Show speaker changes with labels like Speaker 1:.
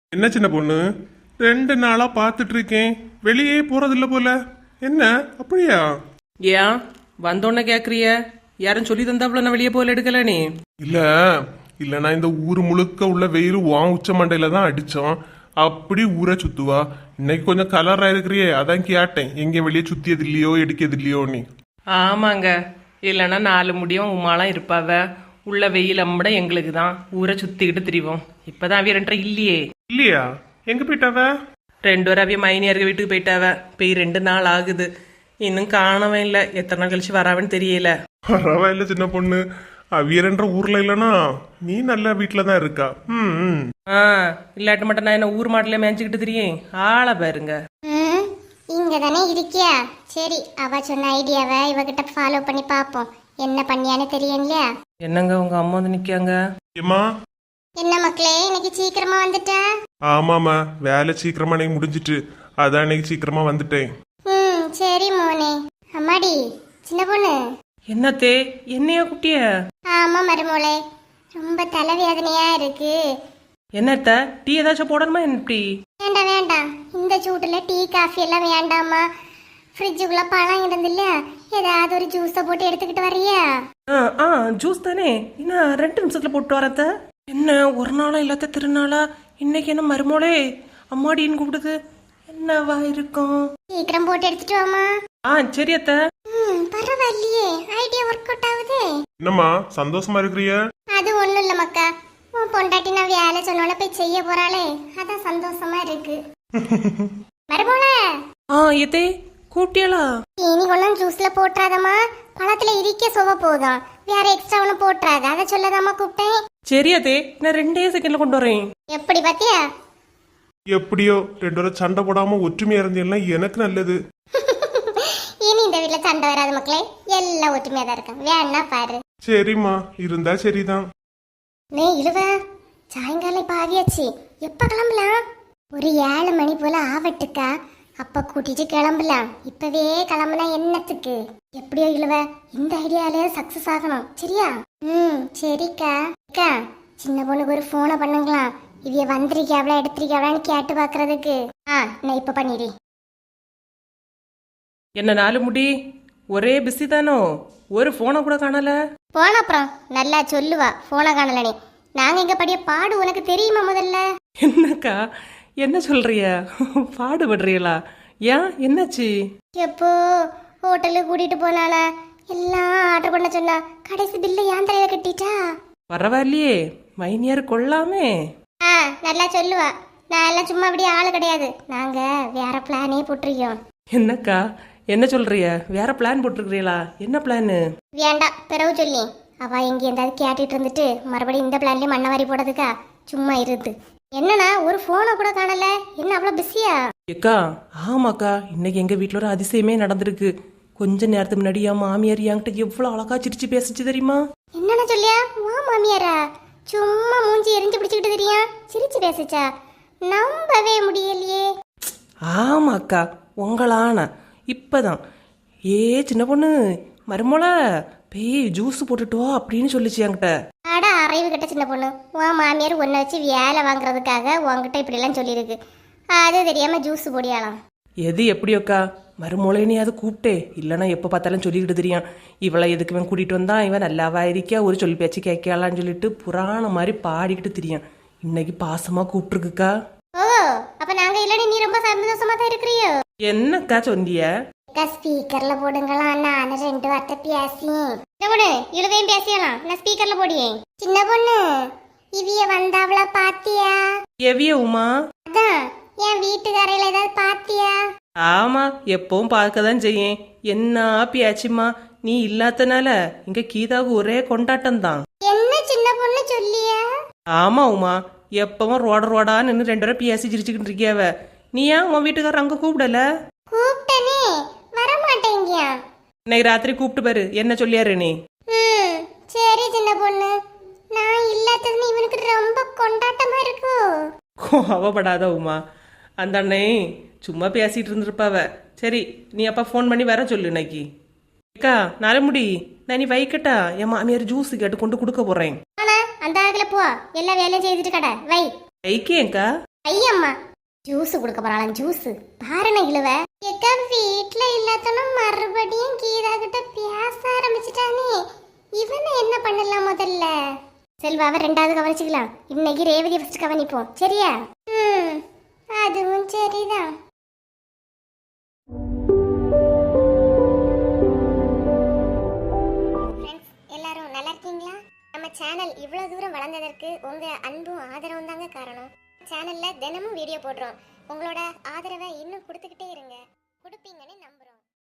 Speaker 1: என்ன சின்ன பொண்ணு, 2 நாளா பார்த்துட்டு இருக்கேன், வெளியே போறதில்ல போல. என்ன அப்படியா?
Speaker 2: ஏன் வந்தோன்ன கேக்குறிய? யாரும் சொல்லி தந்தாப்புல நான் வெளியே போல எடுக்கல நீ?
Speaker 1: இல்ல இல்லனா இந்த ஊர் முழுக்க உள்ள வெயில் வான் உச்ச மண்டையில தான் அடிச்சோம். அப்படி ஊரை சுத்துவா. இன்னைக்கு கொஞ்சம் கலரா இருக்கிறியே, அதான் கேட்டேன், எங்க வெளியே சுத்தியது இல்லையோ எடுக்கிறது இல்லையோ நீ.
Speaker 2: ஆமாங்க, இல்லைன்னா 4 முடியும் உமாலாம் இருப்பாவ. உள்ள வெயில் அம்மட எங்களுக்கு தான் ஊரை சுத்திக்கிட்டு திரிவோம். இப்பதான் அவிய 2 இல்லையே.
Speaker 1: இல்லையா? எங்க போயிட்டாவ?
Speaker 2: 2 பேரும் அவிய மைனியாருக்கு வீட்டுக்கு போயிட்டாவ. போய் 2 நாள் ஆகுது, இன்னும் காணவே இல்லை. எத்தனை நாள் கழிச்சு வராவன்னு தெரியல.
Speaker 1: பரவாயில்ல சின்ன பொண்ணு, அவியரன்ற ஊர்ல இல்லனா நீ நல்ல வீட்டுல தான் இருக்கா.
Speaker 2: ஆ, இல்லாட்டு மட்டும் நான் என்ன ஊர் மாட்டில மேய்ச்சிக்கிட்டு திரியும். ஆளை பாருங்க.
Speaker 3: இங்க தானே இருக்கியா? சரி, அவ சொன்ன ஐடியாவை இவகிட்ட ஃபாலோ பண்ணி பாப்போம். என்ன பண்ணியான்னு தெரியும் இல்லையா?
Speaker 2: என்னங்க உங்க அம்மா வந்து நிக்காங்க?
Speaker 1: ஏமா?
Speaker 3: என்ன மக்களே, இன்னைக்கு சீக்கிரமா வந்துட்ட?
Speaker 1: ஆமாமா, வேலை சீக்கிரமா இன்னைக்கு முடிஞ்சிட்டு, அதான் இன்னைக்கு சீக்கிரமா வந்துட்டேன்.
Speaker 3: சரி மோனே. அம்மாடி சின்ன பொண்ணு.
Speaker 2: என்னத்தே, என்னையா குட்டிய?
Speaker 3: ஆமா மருமோளே, ரொம்ப தலைவேதனையா இருக்கு.
Speaker 2: என்னத்த, டீ ஏதாச்சும் போடணுமா? என்ன டீ?
Speaker 3: வேண்டாம் வேண்டாம், இந்த சூட்டுல டீ காஃபி எல்லாம் வேண்டாமா. ஃப்ரிட்ஜுக்குள்ள பழம் இருந்து இல்லையா, ஏதாவது ஒரு ஜூஸை போட்டு எடுத்துக்கிட்டு வர்றியா?
Speaker 2: ஜூஸ் தானே, இன்னும் 2 நிமிஷத்துல போட்டு வரத்த. என்ன ஒரு நாளா இல்லாத திருநாளா? இன்னைக்கு என்ன மருமோளே அம்மாடின்னு கூப்பிடுது? என்னவா இருக்கும்?
Speaker 3: சீக்கிரம் போட்டு எடுத்துட்டு வாமா.
Speaker 2: சரி அத்த.
Speaker 3: பரவாயில்லையே, ஐடியா ஒர்க் அவுட் ஆகுது.
Speaker 1: என்னம்மா சந்தோஷமா இருக்கிறிய?
Speaker 3: அது ஒண்ணும் இல்ல மக்கா, உன் பொண்டாட்டி நான் வேலை சொன்னால போய் செய்ய போறாளே, அதான் சந்தோஷமா இருக்கு. மருமோளே.
Speaker 2: எத்தே கூட்டியலா?
Speaker 3: இனி ஒன்னும் ஜூஸ்ல போட்டுறாதம்மா, பழத்துல இருக்க சுவ போதும், வேற எக்ஸ்ட்ரா ஒன்னும் போட்டுறாத, அதை சொல்லதாம்மா கூப்பிட்டேன்.
Speaker 2: சரி அதே, நான் 2 செகண்ட்ல கொண்டு வரேன்.
Speaker 3: எப்படி பாத்தியா?
Speaker 1: எப்படியோ 2 பேரும் சண்டை போடாம ஒற்றுமையா இருந்தீங்கன்னா எனக்கு நல்லது.
Speaker 3: இனி இந்த வீட்டுல சண்டை வராது மக்களே, எல்லாம் ஒற்றுமையா தான் இருக்காங்க, வேணா பாரு.
Speaker 1: சரிம்மா, இருந்தா சரிதான்.
Speaker 3: நீ இழுவ, சாயங்காலம் இப்ப ஆகியாச்சு, எப்ப கிளம்பலாம்? ஒரு 7 மணி போல ஆவட்டுக்கா, அப்ப கூட்டிட்டு கிளம்பலாம். இப்பவே கிளம்புனா என்னத்துக்கு? எப்படியோ இழுவ, இந்த ஐடியாலே சக்சஸ் ஆகணும், சரியா? சரிக்கா. அக்கா, சின்ன பொண்ணுக்கு ஒரு போனை பண்ணுங்களா, இவைய வந்திருக்காவளா எடுத்திருக்காவளான்னு கேட்டு பாக்குறதுக்கு. நான் இப்ப பண்ணிடு.
Speaker 2: என்ன 4 முடி ஒரே பிஸி தானோ? ஒரு போனை கூட காணல.
Speaker 3: போன அப்புறம் நல்லா சொல்லுவா போனை காணலனே. நாங்க எங்க படிய பாடு உனக்கு தெரியுமா முதல்ல?
Speaker 2: என்னக்கா என்ன சொல்றிய? பாடுபடுறீங்களா? ஏன் என்னாச்சு?
Speaker 3: எப்போ ஹோட்டலுக்கு கூட்டிட்டு போனால, எல்லாம் ஆர்டர் பண்ண சொன்னா, கடைசி பில்ல ஏன் தலையில கட்டிட்டா.
Speaker 2: பரவாயில்லையே, மைனியார் கொள்ளாமே.
Speaker 3: நல்லா சொல்லுவா. நான் எல்லாம் சும்மா அப்படியே ஆளு கிடையாது, நாங்க வேற பிளானே போட்டிருக்கோம்.
Speaker 2: என்னக்கா என்ன சொல்றிய? வேற பிளான் போட்டிருக்கிறீங்களா? என்ன பிளானு?
Speaker 3: வேண்டாம், பிறகு சொல்லி அவ எங்க எந்தாவது கேட்டுட்டு இருந்துட்டு மறுபடியும் இந்த பிளான்லயே மண்ணவாரி போடுறதுக்கா, சும்மா இருந்து. என்னன்னா ஒரு போனை கூட காணல, என்ன அவ்வளவு பிஸியா?
Speaker 2: ஏக்கா ஆமாக்கா, இன்னைக்கு எங்க வீட்டுல ஒரு அதிசயமே நடந்திருக்கு. கொஞ்ச நேரத்துக்கு முன்னாடி என் மாமியார் என்கிட்ட எவ்வளவு அழகா சிரிச்சு பேசிச்சு தெரியுமா?
Speaker 3: என்னன்னு சொல்லியா? வா மாமியாரா, சும்மா மூஞ்சி எரிஞ்சு பிடிச்சுக்கிட்டு தெரியா சிரிச்சு பேசிச்சா? நம்பவே முடியலையே.
Speaker 2: ஆமாக்கா, உங்களான இப்பதான் ஏ சின்ன பொண்ணு மருமோள பேய் ஜூஸ் போட்டுட்டோ அப்படின்னு சொல்லிச்சு என்கிட்ட.
Speaker 3: அட அறிவு கிட்ட சின்ன பொண்ணு, உன் மாமியார் உன்னை வச்சு வேலை வாங்குறதுக்காக உன்கிட்ட இப்படி எல்லாம் சொல்லியிருக்கு, அது தெரியாம ஜூஸ் போடியாலாம்.
Speaker 2: எது எப்படியோக்கா, மருமோளைனே அது கூப்பிட்டே, இல்லைன்னா எப்போ பார்த்தாலும் சொல்லிக்கிட்டு தெரியும். இவளை எதுக்கு இவன் கூட்டிகிட்டு வந்தா, இவன் நல்லாவா இருக்கா, ஒரு சொல்லி பேச்சு கேட்கலான்னு சொல்லிட்டு புராணம் மாதிரி பாடிக்கிட்டு தெரியும். இன்னைக்கு பாசமா கூப்பிட்டுருக்குக்கா.
Speaker 3: ஓ, அப்ப நாங்க இல்லன்னு நீ ரொம்ப சந்தோஷமா தான் இருக்கிறியோ?
Speaker 2: என்னக்கா சொன்னிய?
Speaker 3: ஸ்பீக்கர்ல போடுங்களா, நான் 2 வார்த்தை பேசி இழுவையும் பேசியலாம், நான் ஸ்பீக்கர்ல போடியே. சின்ன பொண்ணு, இவிய வந்தாவளா பாத்தியா?
Speaker 2: எவிய உமா?
Speaker 3: அதான் என் வீட்டுக்காரையில ஏதாவது பாத்தியா?
Speaker 2: ஆமா, எப்பவும் பார்க்கதான் செய்யேன். என்ன பேச்சுமா, நீ இல்லாதனால இங்க கீதாவுக்கு ஒரே கொண்டாட்டம் தான்.
Speaker 3: என்ன சின்ன பொண்ணு சொல்லியா?
Speaker 2: ஆமா உமா, எப்பவும் ரோடா நின்று 2 பேரும் பேசி சிரிச்சுக்கிட்டு இருக்கியாவ. நீ ஏன் உன் வீட்டுக்காரர் அங்க கூப்பிடல?
Speaker 3: கூப்பிட்டனே, வர மாட்டேங்கியா.
Speaker 2: இன்னைக்கு ராத்திரி கூப்பிட்டு பாரு, என்ன சொல்லியாரு நீ?
Speaker 3: சரி சின்ன பொண்ணு, நான் இல்லாததுன்னு இவனுக்கு ரொம்ப கொண்டாட்டமா இருக்கு.
Speaker 2: கோவப்படாத உமா, அந்த அண்ணே சும்மா பேசிட்டு இருந்திருப்பாவ. சரி, நீ அப்பா ஃபோன் பண்ணி வர சொல்லு இன்னைக்கு. அக்கா நலமுடி, நான் நீ வைக்கட்டா, என் மாமியார் ஜூஸ் கேட்டு கொண்டு கொடுக்க போறேன்.
Speaker 3: ஆனா அந்த ஆகல போ, எல்லா வேலையும் செய்துட்டு கடை வை.
Speaker 2: வைக்கேங்க்கா.
Speaker 3: ஐயம்மா ஜூஸ் கொடுக்க போறாளாம் ஜூஸ் பாருன இழுவ எக்கா வீட்ல இல்லாதனும் மறுபடியும் கீதா கிட்ட பேச ஆரம்பிச்சிட்டானே இவனை என்ன பண்ணலாம் முதல்ல செல்வாவை ரெண்டாவது கவனிச்சுக்கலாம் இன்னைக்கு ரேவதி ஃபர்ஸ்ட் கவனிப்போம் சரியா அதுவும் சரிதான் ஃப்ரெண்ட்ஸ் எல்லாரும் நல்லா இருக்கீங்களா நம்ம சேனல் இவ்வளவு தூரம் வளர்ந்ததற்கு உங்க அன்பும் ஆதரவும் தாங்க காரணம் சேனல்ல தினமும் வீடியோ போடுறோம் உங்களோட ஆதரவை இன்னும் கொடுத்துக்கிட்டே இருங்க கொடுப்பீங்கன்னு